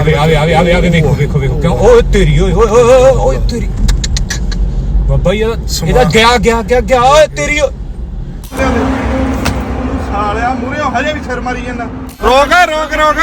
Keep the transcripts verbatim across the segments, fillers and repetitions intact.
ਆਵੇ ਆਵੇ ਆਵੇ ਆਵੇ ਆਵੇ ਵੇਖੋ ਵੇਖੋ ਵੇਖੋ ਕਿਉਂ ਓਏ ਤੇਰੀ ਓਏ ਓਏ ਓਏ ਓਏ ਤੇਰੀ ਬਾਬਾ ਯਾਰ ਇਹਦਾ ਗਿਆ ਗਿਆ ਗਿਆ ਗਿਆ ਓਏ ਤੇਰੀ ਸਾਲਿਆ ਮੂਰੇ ਹਜੇ ਵੀ ਸਿਰ ਮਾਰੀ ਜਾਂਦਾ ਰੋਕ ਰੋਕ ਰੋਕ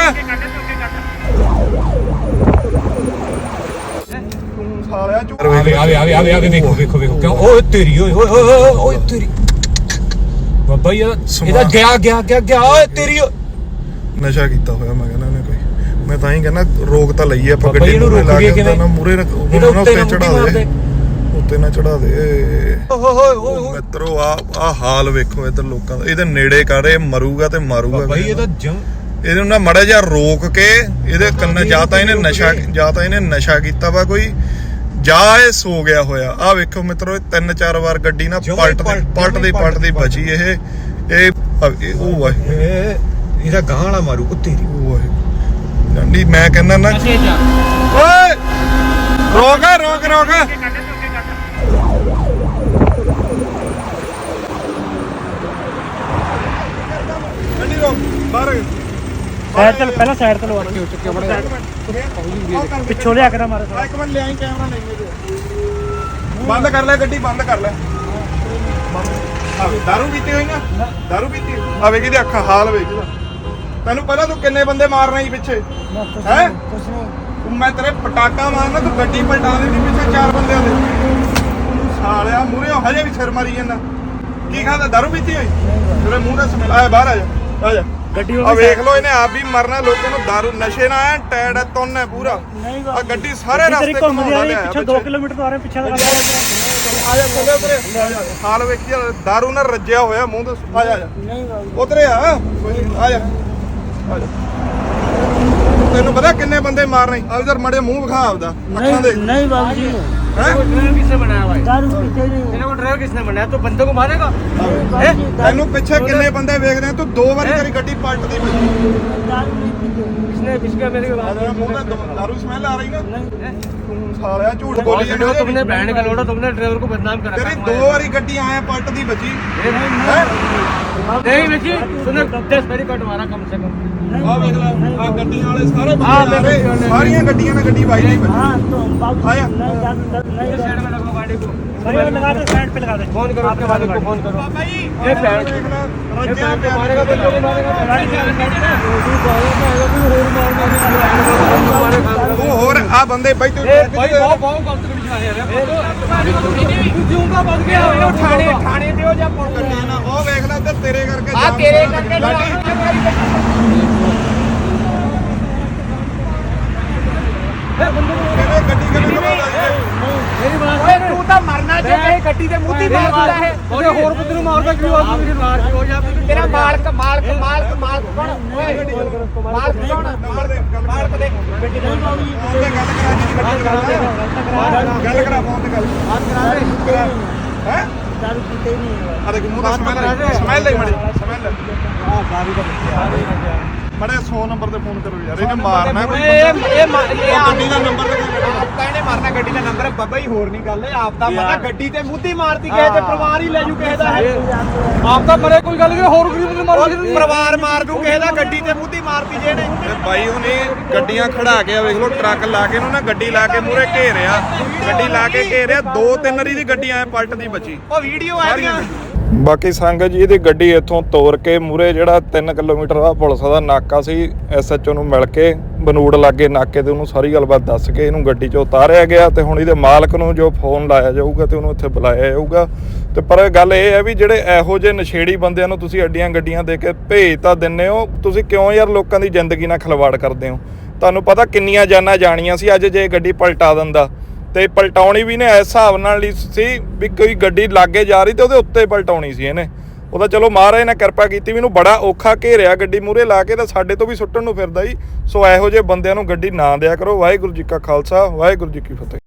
ਤੂੰ ਸਾਲਿਆ ਆਵੇ ਆਵੇ ਆਵੇ ਆਵੇ ਆਵੇ ਵੇਖੋ ਵੇਖੋ ਵੇਖੋ ਕਿਉਂ ਓਏ ਤੇਰੀ ਓਏ ਓਏ ਓਏ ਓਏ ਤੇਰੀ ਬਾਬਾ ਯਾਰ ਇਹਦਾ ਗਿਆ ਗਿਆ ਗਿਆ ਗਿਆ ਓਏ ਤੇਰੀ ਨਸ਼ਾ ਕੀਤਾ ਹੋਇਆ ਮੈਂ ਕਹਿੰਦਾ ਉਹਨੇ ਕੋਈ ਮੈਂ ਤਾਂ ਹੀ ਕਹਿੰਦਾ ਰੋਕ ਤਾਂ ਲਈਏ ਆਪਾਂ ਗੱਡੀ ਨੂੰ ਲਾ ਕੇ ਨਾ ਮੂਰੇ ਉਹਨਾਂ ਉੱਤੇ ਚੜਾ ਦੇ ਉੱਤੇ ਨਾ ਚੜਾ ਦੇ ਓਏ ਓਏ ਮਿੱਤਰੋ ਆ ਆ ਹਾਲ ਵੇਖੋ ਇਧਰ ਲੋਕਾਂ ਦਾ ਇਹਦੇ ਨੇੜੇ ਕਰੇ ਮਰੂਗਾ ਤੇ ਮਾਰੂਗਾ ਬਾਈ ਇਹ ਤਾਂ ਜਮ ਇਹਦੇ ਨਾਲ ਮੜਾ ਜਿਹਾ ਰੋਕ ਕੇ ਇਹਦੇ ਕੰਨ ਜਾਂ ਤਾਂ ਇਹਨੇ ਨਸ਼ਾ ਜਾਂ ਤਾਂ ਇਹਨੇ ਨਸ਼ਾ ਕੀਤਾ ਵਾ ਕੋਈ ਜਾਂ ਇਹ ਸੋ ਗਿਆ ਹੋਇਆ ਆ ਵੇਖੋ ਮਿੱਤਰੋ ਤਿੰਨ ਚਾਰ ਵਾਰ ਗੱਡੀ ਨਾ ਪਲਟ ਪਲਟਦੀ ਪਲਟਦੀ ਬਚੀ ਇਹ ਇਹ ਉਹ ਵਾ ਇਹਦਾ ਗਾਂ ਵਾਲਾ ਮਾਰੂ ਕੁੱਤੇ ਦੀ ਉਹ ਨਹੀਂ ਮੈਂ ਕਹਿੰਦਾ ਨਾ ਓਏ ਰੋਕ ਰੋਕ ਰੋਕ ਗੱਡੀ ਰੋਕ ਬਾਹਰ ਸਾਈਡ ਤੇ ਪਹਿਲਾਂ ਸਾਈਡ ਤੇ ਲਵਾ ਕੇ ਚੁੱਕਿਆ ਬੜਾ ਪਿੱਛੋਂ ਲਿਆ ਕੇ ਨਾ ਮਾਰੇ ਇੱਕ ਮਿੰਟ ਲਿਆਈ ਕੈਮਰਾ ਨਹੀਂ ਬੰਦ ਕਰ ਲੈ ਗੱਡੀ ਬੰਦ ਕਰ ਲੈ ਆਵੇ ਦਾਰੂ ਪੀਤੀ ਹੋਈ ਨਾ ਦਾਰੂ ਪੀਤੀ ਆਵੇ ਕਿਹਦੀ ਅੱਖਾਂ ਹਾਲ ਵੇਖ ਤੈਨੂੰ ਪਹਿਲਾਂ ਤੂੰ ਕਿੰਨੇ ਬੰਦੇ ਮਾਰਨਾ ਸੀ ਪਿੱਛੇ ਹੈ ਮੈਂ ਤੇਰੇ ਪਟਾਕਾ ਮਾਰਨਾ ਤੂੰ ਗੱਡੀ ਪਲਟਾ ਦੇਣੀ ਪਿੱਛੇ ਚਾਰ ਬੰਦਿਆਂ ਦੇ ਸਾਲਿਆ ਮੂਰੇ ਹਜੇ ਵੀ ਸਿਰ ਮਾਰੀ ਜਾਂਦਾ ਕੀ ਖਾਦਾ ਦਾਰੂ ਪੀਤੀ ਹੋਈ ਤੇਰੇ ਮੂੰਹ ਦਾ ਸਮੈਲ ਆਇਆ ਬਾਹਰ ਆ ਜਾ ਆ ਜਾ ਗੱਡੀ ਆ ਵੇਖ ਲੋ ਇਹਨੇ ਆਪ ਵੀ ਮਰਨਾ ਲੋਕਾਂ ਨੂੰ ਦਾਰੂ ਨਸ਼ੇ ਨਾਲ ਐ ਟੈਡ ਐ ਤੁੰਨ ਹੈ ਪੂਰਾ ਆ ਗੱਡੀ ਸਾਰੇ ਰਸਤੇ ਘੁੰਮਦੀ ਆ ਰਹੀ ਪਿੱਛੇ ਦੋ ਕਿਲੋਮੀਟਰ ਤੋਂ ਆ ਰਹੇ ਪਿੱਛੇ ਦਾ ਆ ਜਾ ਚੱਲੇ ਉਧਰੇ ਹਾਲ ਵੇਖੀ ਦਾਰੂ ਨਾਲ ਰੱਜਿਆ ਹੋਇਆ ਮੂੰਹ ਤੇ ਆ ਜਾ ਉਧਰੇ ਆ ਆ ਜਾ ਤੈਨੂੰ ਪਤਾ ਕਿੰਨੇ ਬੰਦੇ ਮਾਰਨੇ ਆ ਇਧਰ ਮੜੇ ਮੂੰਹ ਵਿਖਾ ਆਪਦਾ ਅੱਖਾਂ ਦੇ नहीं बाबू जी ड्राइवर किसने बनाया भाई दारू पीते नहीं तेरे को ड्राइवर किसने बनाया तो बंदे को मारेगा ਤੈਨੂੰ ਪਿੱਛੇ ਕਿੰਨੇ ਬੰਦੇ ਵੇਖਦੇ ਆ ਤੂੰ ਦੋ ਵਾਰੀ ਤੇਰੀ ਗੱਡੀ ਪਲਟਦੀ ਪਈ दारू नहीं पीते किसने किसका मेरे को ਤੇਰਾ ਮੂੰਹ ਦਾ ਦਾਰੂ ਸਮੈਲ ਆ ਰਹੀ ਨਾ ਤੂੰ ਸਾਲਿਆ ਝੂਠ ਬੋਲੀ बोली ਜਾਂਦਾ तुमने बहन का लोड़ा तुमने ड्राइवर को बदनाम करा ਤੇਰੀ ਦੋ ਵਾਰੀ ਗੱਡੀ ਆਇਆ ਪਲਟਦੀ ਬੱਜੀ नहीं बच्ची तूने दस मेरी कट मारा कम से कम ਆ ਵੇਖ ਲੈ ਆ ਗੱਡੀਆਂ ਵਾਲੇ ਸਾਰੇ ਬੰਦੇ ਸਾਰੀਆਂ ਗੱਡੀਆਂ ਨਾਲ ਗੱਡੀ ਵਾਈ ਨਹੀਂ हाँ तो बाबू आया। नहीं दारू नहीं साइड में लगाओ गाड़ी को अरे लगा दे साइड पे लगा दे फोन करो अपने वाले को फोन करो ये पैर ਰੱਜਿਆ ਪਿਆ मारेगा बंदे को मारेगा ਤੂੰ ਹੋਰ ਆ ਬੰਦੇ ਬਾਈ ਤੂੰ भाई बहुत बहुत कम से कम यार तू क्यों का बंद गया वो ठाणे ठाणे दियो जा फोन कर ਨਾ ਉਹ ਵੇਖ ਲੈ ਤੇ ਤੇਰੇ ਕਰਕੇ आ तेरे करके ਕਿਵੇਂ ਗੱਡੀ ਕਿਵੇਂ ਲਵਾਉਂਦਾ मेरी बात है तू तो मरना चाहिए गड्डी दे मुंह दी मार दिंदा है और होर बंदे ਨੂੰ ਮਾਰਦਾ ਕਿਉਂ ਆ ਤੂੰ ਮਾਰ ਕੇ ਹੋ ਜਾ ਤੇਰਾ ਮਾਲਕ ਮਾਲਕ ਮਾਲਕ ਮਾਲਕ ਕੌਣ ਓਏ ਮਾਲਕ ਕੌਣ ਨੰਬਰ ਦੇ ਮਾਲਕ ਦੇ ਗੱਡੀ ਦੇ ਫੋਨ ਤੇ ਗੱਲ ਕਰਾ ਜੀ ਗੱਡੀ ਕਰਾ ਗੱਲ ਕਰਾ ਫੋਨ ਤੇ ਗੱਲ बात करा दे ਹੈ दारू पीते नहीं है ਆ ਦੇਖ ਮੂੰਹ ਦਾ ਸਮੈਲ ਸਮੈਲ ਲੈ ਮੜੀ ਸਮੈਲ ਲੈ हाँ दारू का ਮੜੇ ਸੌ ਨੰਬਰ ਤੇ ਫੋਨ ਕਰੋ ਯਾਰ ਇਹਨੇ ਮਾਰਨਾ ਕੋਈ ਇਹ ਇਹ ਇਹ ਗੱਡੀ ਦਾ ਨੰਬਰ ਤੇ ਆਪਕਾ ਇਹਨੇ ਮਾਰਨਾ ਗੱਡੀ ਦਾ ਨੰਬਰ ਬੱਬਾ ਹੀ ਹੋਰ ਨਹੀਂ ਗੱਲ ਹੈ ਆਪ ਦਾ ਪਤਾ ਗੱਡੀ ਤੇ ਮੁੱਦੀ ਮਾਰਦੀ ਕਿਸੇ ਤੇ ਪਰਿਵਾਰ ਹੀ ਲੈ ਜੂ ਕਿਸੇ ਦਾ ਹੈ ਆਪ ਤਾਂ ਮਰੇ ਕੋਈ ਗੱਲ ਨਹੀਂ ਹੋਰ ਗਰੀਬ ਨੂੰ ਮਾਰ ਪਰਿਵਾਰ ਮਾਰ ਦੂ ਕਿਸੇ ਦਾ ਗੱਡੀ ਤੇ ਮੁੱਦੀ ਮਾਰਦੀ ਜੇ ਨੇ ਤੇ ਬਾਈ ਉਹਨੇ ਗੱਡੀਆਂ ਖੜਾ ਕੇ ਆ ਵੇਖ ਲਓ ਟਰੱਕ ਲਾ ਕੇ ਇਹਨੂੰ ਨਾ ਗੱਡੀ ਲਾ ਕੇ ਮੂਰੇ ਘੇਰਿਆ ਗੱਡੀ ਲਾ ਕੇ ਘੇਰਿਆ ਦੋ ਤਿੰਨ ਰੀ ਦੀ ਗੱਡੀ ਐ ਪਲਟਦੀ ਬਚੀ ਉਹ ਵੀਡੀਓ ਆਈਆਂ ਬਾਕੀ ਸੰਗਤ ਜੀ ਇਹਦੀ ਗੱਡੀ ਇੱਥੋਂ ਤੋਰ ਕੇ ਮੂਰੇ ਜਿਹੜਾ ਤਿੰਨ ਕਿਲੋਮੀਟਰ ਦਾ ਪੁਲਿਸ ਦਾ ਨਾਕਾ ਸੀ ਐਸ ਐਚ ਓ ਨੂੰ ਮਿਲ ਕੇ ਬਨੂੜ ਲਾਗੇ ਨਾਕੇ ਤੇ ਉਹਨੂੰ ਸਾਰੀ ਗੱਲਬਾਤ ਦੱਸ ਕੇ ਇਹਨੂੰ ਗੱਡੀ 'ਚੋਂ ਉਤਾਰਿਆ ਗਿਆ ਤੇ ਹੁਣ ਇਹਦੇ ਮਾਲਕ ਨੂੰ ਜੋ ਫੋਨ ਲਾਇਆ ਜਾਊਗਾ ਤੇ ਉਹਨੂੰ ਇੱਥੇ ਬੁਲਾਇਆ ਜਾਊਗਾ ਤੇ ਪਰ ਗੱਲ ਇਹ ਹੈ ਵੀ ਜਿਹੜੇ ਇਹੋ ਜਿਹੇ ਨਸ਼ੇੜੀ ਬੰਦਿਆਂ ਨੂੰ ਤੁਸੀਂ ਅੱਡੀਆਂ ਗੱਡੀਆਂ ਦੇ ਕੇ ਭੇਜ ਤਾਂ ਦਿੰਦੇ ਹੋ ਤੁਸੀਂ ਕਿਉਂ ਯਾਰ ਲੋਕਾਂ ਦੀ ਜ਼ਿੰਦਗੀ ਨਾਲ ਖਿਲਵਾੜ ਕਰਦੇ ਹੋ ਤੁਹਾਨੂੰ ਪਤਾ ਕਿੰਨੀਆਂ ਜਾਨਾਂ ਜਾਣੀਆਂ ਸੀ ਅੱਜ ਜੇ ਗੱਡੀ ਪਲਟਾ ਦਿੰਦਾ ਤੇ ਪਲਟਾਉਣੀ ਵੀ ਨੇ ਇਸ ਹਿਸਾਬ ਨਾਲ ਹੀ ਸੀ ਵੀ ਕੋਈ ਗੱਡੀ ਲਾਗੇ ਜਾ ਰਹੀ ਤੇ ਉਹਦੇ ਉੱਤੇ ਪਲਟਾਉਣੀ ਸੀ ਇਹਨੇ ਉਹਦਾ ਚਲੋ ਮਹਾਰਾਜ ਨੇ ਕਿਰਪਾ ਕੀਤੀ ਵੀ ਇਹਨੂੰ ਬੜਾ ਔਖਾ ਘੇਰਿਆ ਗੱਡੀ ਮੂਹਰੇ ਲਾ ਕੇ ਤਾਂ ਸਾਡੇ ਤੋਂ ਵੀ ਸੁੱਟਣ ਨੂੰ ਫਿਰਦਾ ਜੀ ਸੋ ਇਹੋ ਜਿਹੇ ਬੰਦਿਆਂ ਨੂੰ ਗੱਡੀ ਨਾ ਦਿਆ ਕਰੋ ਵਾਹਿਗੁਰੂ ਜੀ ਕਾ ਖਾਲਸਾ ਵਾਹਿਗੁਰੂ ਜੀ ਕੀ ਫਤਿਹ।